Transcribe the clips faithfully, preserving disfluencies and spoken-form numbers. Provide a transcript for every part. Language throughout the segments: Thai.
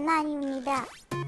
장난입니다.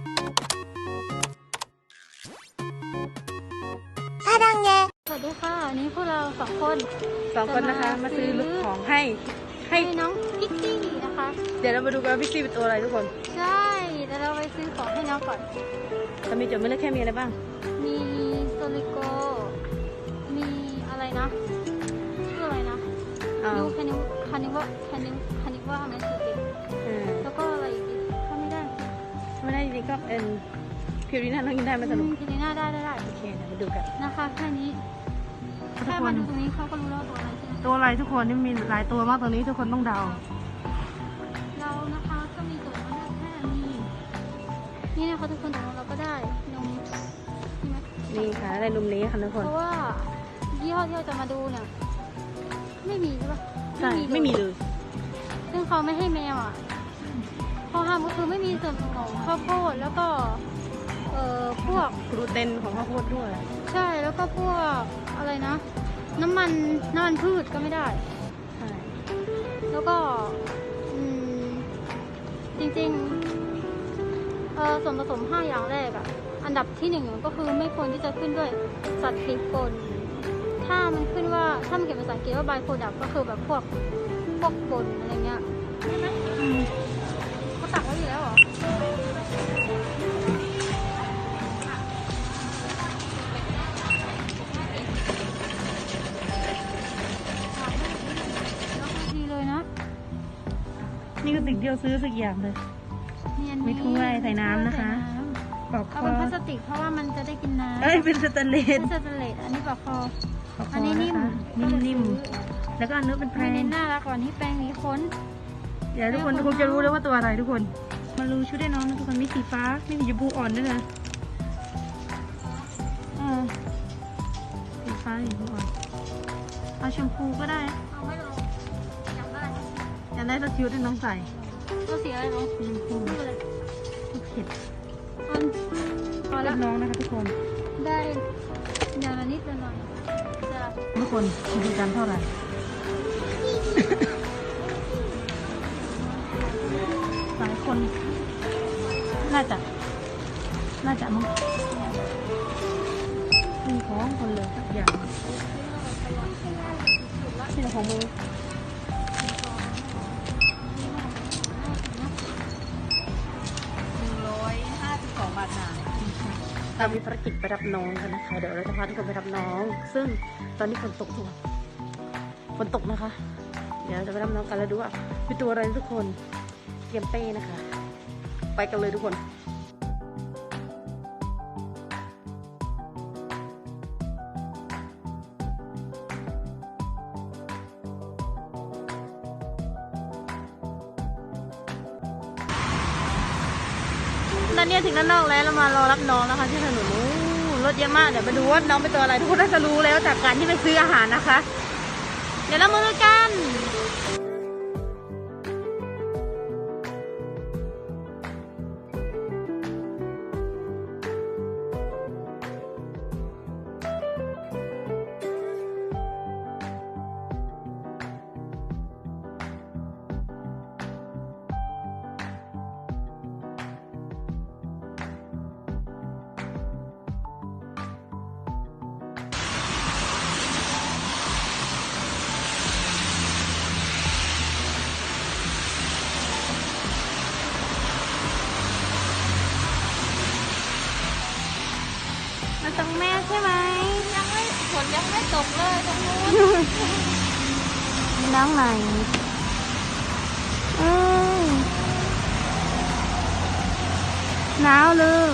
사랑해. สวัสดีค่ะวันนี้พวกเราสองคนสองคนนะคะมาซื้อของให้ให้ให้น้องพิกซี่นะคะเดี๋ยวเรามาดูกันว่าพิกซี่เป็นตัวอะไรทุกคนใช่แต่เราไปซื้อของให้น้องก่อนจะมีจดไม่เล็กแค่มีอะไรบ้างมีโซลิโกมีอะไรนะชื่ออะไรนะอ่ายูคานิวคานิวะคานิวคานิวะแมสติกเออแล้วก็อะไรอีกถ้าไม่ได้ไม่ได้จริงๆก็เป็นพิวรีน่าน้องกินได้ไหมสนุกทีนี้น่าได้ได้ได้โอเคเดี๋ยวมาดูกันนะคะแค่นี้ทุกแค่คมาน ดูตรงนี้เขาก็รู้แล้วว่าตัวอะไรใช่ไหมตัวอะไรทุกคนนี่มีหลายตัวมากตรงนี้ทุกคนต้องเดาเรานะคะก็มีตัวมาแค่นี้นี่นะคะทุกคนแต่เราก็ได้นมใช่ไหมนี่ค่ะในรุมนี้ค่ะทุกคนเพราะว่ายี่ห้อที่เราจะมาดูเนี่ยไม่มีใช่ปะใช่ไม่มีเลยซึ่งเขาไม่ให้แมวอ่ะข้อห้ามก็คือไม่มีส่วนของข้าวโพดแล้วก็เอ่อพวกกลูเตนของข้าวโพดด้วยใช่แล้วก็พวกอะไรนะ น้ำมันน้ำมันพืชก็ไม่ได้ใช่แล้วก็อืมจริงๆเอ่อส่วนผสมห้าอย่างแรกอ่ะอันดับที่หนึ่งก็คือไม่ควรที่จะขึ้นด้วยสัตว์ติดปนถ้ามันขึ้นว่าถ้ามันเขียนภาษาอังกฤษว่า by product ก็คือแบบพวกพวกปนอะไรเงี้ยใช่ไหมอืมเขาตักไว้อยู่แล้วเหรอดีเลยนะนี่ก็สิ่งที่เราซื้อสักอย่างเลยเนียนมีถ้วยใส่น้ำนะคะ ปอกคเอาอเป็นพลาสติกเพราะว่ามันจะได้กินน้ำเอ้ยเป็นสแตนเลเป็สนสแตนเลสอันนี้ปลอกคอปอกคอันอนี้นิ่นะมคะนิ่มๆแล้วก็อันนู้นเป็นแพรไม่งเน้นน่ารักกว่านี้แปรงหนีขนเดี๋ยวทุกคนคงจะรู้แล้วว่าตัวอะไรทุกคน มารู้ชุดให้น้องนะทุกคนมีสีฟ้ามีสีชมพูอ่อนด้วยนะเออสีฟ้าสีชมพูอ่อนเอาชมพูก็ได้เอาไม่ลงอยากได้อยากได้สักชุดให้น้องใส่ก็สีอะไรลงสีชมพูไม่เป็นไรลูกเข็ดอันพอรัละบน้องนะคะทุกคนได้อย่างละนิดละหน่อยจะทุกคนดูกันเท่าไหร่ หลายคน น่าจะ น่าจะมั้งมีของคนเลยสักอย่างนี่แหละของมือเรามีภารกิจไปรับน้องกันนะคะ เดี๋ยวเราจะพาทุกคนไปรับน้อง ซึ่งตอนนี้ฝนตกทุกคนฝนตกนะคะ เดี๋ยวเราจะไปรับน้องกันแล้วดูว่าเป็นตัวอะไรทุกคนเตรียมเป้นะคะ ไปกันเลยทุกคน ตอนนี้ถึงด้านนอกแล้วเรามารอรับน้องนะคะที่ถนนนู้นรถเยอะมากเดี๋ยวมาดูว่าน้องเป็นตัวอะไรทุกคนน่าจะรู้แล้วจากการที่ไปซื้ออาหารนะคะ เดี๋ยวเรามาดูกันมาตรงแม่ใช่ไหมยังไม่ฝนยังไม่ตกเลยตรงนู้นน้องไหนเอ้ยหนาวเลย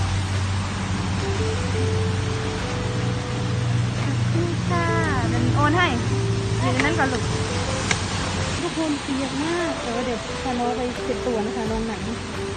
นี่ค่ะเป็นโอนให้เดี๋ยวนั้นก่อนลูกทุกคนเปียกมากเออเดี๋ยวพาน้องไปเก็บตัวนะคะน้องไหน